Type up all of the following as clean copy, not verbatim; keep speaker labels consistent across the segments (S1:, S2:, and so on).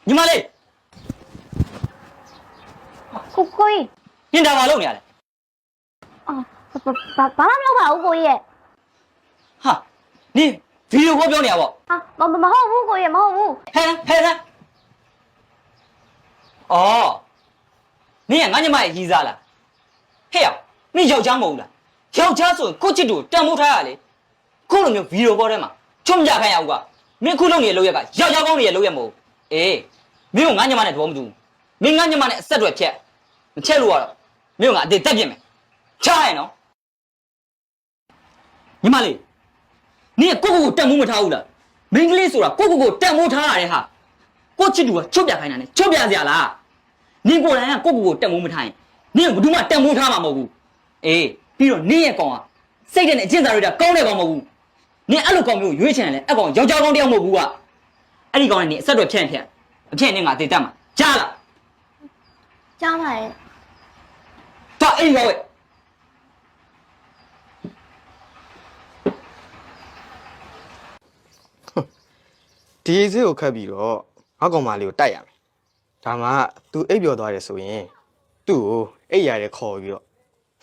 S1: ညီမလေး
S2: ကိုကြီး
S1: ညင်တာဘာလုပ်နေရလဲ
S2: အော်ဘာမှမလုပ်ပါဘူးကိုကြီးရဲ့
S1: ဟာနင်ဗီဒီယိုခေါ်ပြောနေရပေါ့
S2: ဟာမဟုတ်ဘူးကိုကြီးမဟုတ်ဘူး
S1: ဟဲ့အော်နင်ကငါညီမရဲ့ရီးစားလားဟဲ့ရောက်နင်ယောက်ျားမဟုတ်လားယောက်ျားဆိုရင်ကိုချစ်တူတန်မိုးထားရလေခုလိုမျိုးဗီဒီယိုခေါ်ထဲမှာချွတ်မကြခိုင်းရဘူးကမင်းခုလုပ်နေတဲ့လုပ်ရက်ကယောက်ျားကောင်းနေရဲ့လုပ်ရက်မဟုတ်အေးမင်းကငါညီမနဲ့တော်မတူမင်းငါညီမနဲ့အဆက်တွေဖြတ်မချက်လို့ကတော့မင်းကငါအသေးတက်ပြင်မယ်ချားရနော်ညီမလေးနင်ကကိုတန်မိုးမထားဘူးလားမင်းကလေးဆိုတာကိုတန်မိုးထားရတယ်ဟာကိုချစ်တူကချွတ်ပြခိုင်းတာနဲ့ချွတ်ပြစရာလားနင်ကိုယ်တိုင်ကကိုတန်မိုးမထားရင်နင်ကဘယ်သူမှတန်မိုးထားမှာမဟုတ်ဘူးအေးပြီးတော့နင်ရဲ့ကောင်ကစိတ်တဲ့အကျင့်စာတွေကကောင်းတဲ့ကောင်မဟုတ်ဘူးနင်အဲ့လိုကောင်မျိုးရွေးချင်တယ်လေအဲ့ကောင်ယောက်ျားကောင်းတယောက်မဟုတ်ဘူးကအဲ့ဒီကောင်နဲ့နင်အဆက်တွေဖြန့်အဖြန့်နဲ့ငါသေတတ်မှာကြားလား
S2: ကြားပါရဲ့
S1: တော့အဲ့ဒီကောင်ရဲ့
S3: ဒီအေးစေးကိုခတ်ပြီးတော့ငါကောင်မလေးကိုတိုက်ရမယ်ဒါမှ तू အိပ်ပျော်သွားတယ်ဆိုရင်သူ့ကိုအိပ်ရတယ်ခေါ်ပြီးတော့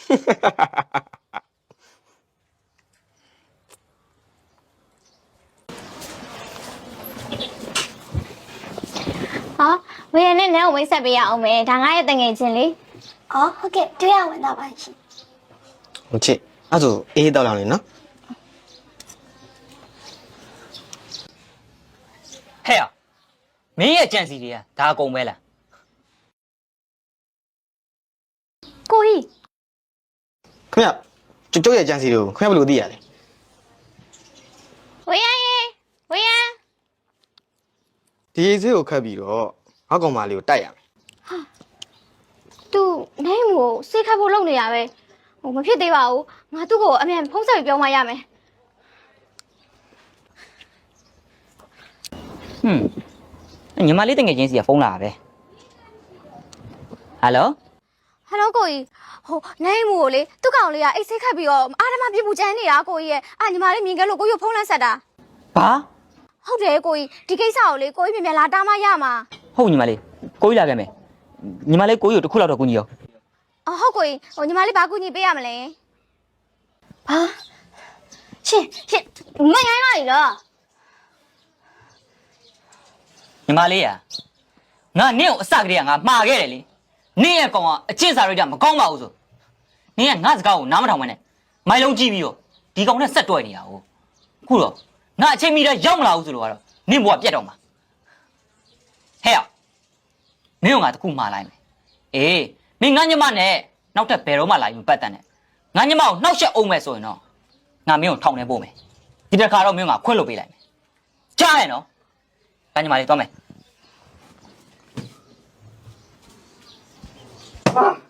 S2: ဟာဝေရနဲ့နဲ့ကိုမိတ်ဆက်ပေးရအောင်မယ်ဒါငါရဲ့တငယ်ချင်းလေအော်ဟုတ်ကဲ့တွေ့ရဝင်တော့ပါရှင်
S3: ဟုတ်ချစ်အဲ့ဆိုအေးတောက်လောင်လေနော်
S1: ဟဲ့မင်းရဲ့ကြံစီတွေကဒါအကုန်ပဲလား
S2: ကိုကြီး
S3: ခင်ဗျကျုပ်ရဲ့ကြံစီတွေကိုခင်ဗျဘယ်လိုသိရလဲ
S2: ဝေရ
S3: ဒီအေးစေးကိုခတ်ပြီးတော့ငါကောင်မလေးကိုတိုက်ရမယ်
S2: သူနိုင်ကိုစိတ်ခတ်ဖို့လုပ်နေရပဲဟိုမဖြစ်သေးပါဘူးငါသူ့ကိုအမြန်ဖုံးဆက်ပြီးပြောမှရမယ်
S1: ညီမလေးတငယ်ချင်းစီကဖုန်းလာပဲဟယ်လို
S2: ကိုကြီးဟိုနိုင်မို့လေသူ့ကောင်လေးကအိတ်စိတ်ခတ်ပြီးတော့အာဓမပြမှုကြမ်းနေတာကိုကြီးရဲ့ညီမလေးမြင်ခဲ့လို့ကိုကြီးဖုံးလန်းဆက်တာ
S1: ဘာ
S2: ဟုတ်တယ်ကိုကြီးဒီကိစ္စကိုလေကိုကြီးမြန်လာတားမရမှာ
S1: ဟုတ်ညီမလေးကိုကြီးလာခဲ့မယ်ညီမလေးကိုကြီးကိုတစ်ခုလောက်တော့ကူညီရော
S2: ဟုတ်ကိုကြီးဟိုညီမလေးဘာကူညီပေးရမလဲဘာရှင်မရိုင်းလိုက်လား
S1: ညီမလေးငါနင့်ကိုအစကတည်းကငါမှားခဲ့တယ်လေနင့်ရဲ့ကောင်ကအကျင့်စာရိတ္တမကောင်းပါဘူးဆိုနင့်ကငါစကားကိုနားမထောင်မနဲ့မိုင်လုံးကြည့်ပြီးတော့ဒီကောင်နဲ့ဆက်တွဲနေတာဟုတ်ခုတော့ငါအချိန်မီတော့ရောက်မလာဘူးဆိုလို့ကတော့နင့်ဘဝပြတ်တော့မှာဟဲ့မင်းကငါတခုမှားလိုက်မယ်အေးမင်းငါညမနဲ့နောက်ထပ်ဘယ်တော့မှလာရင်ပတ်တန်နဲ့ငါညမကိုနှောက်ရှက်အောင်မယ်ဆိုရင်တော့ငါမင်းကိုထောင်ထဲပို့မယ်ဒီတစ်ခါတော့မင်းကခွင့်လို့ပေးလိုက်မယ်ကြားရနော်ငါညမလေးသွားမယ်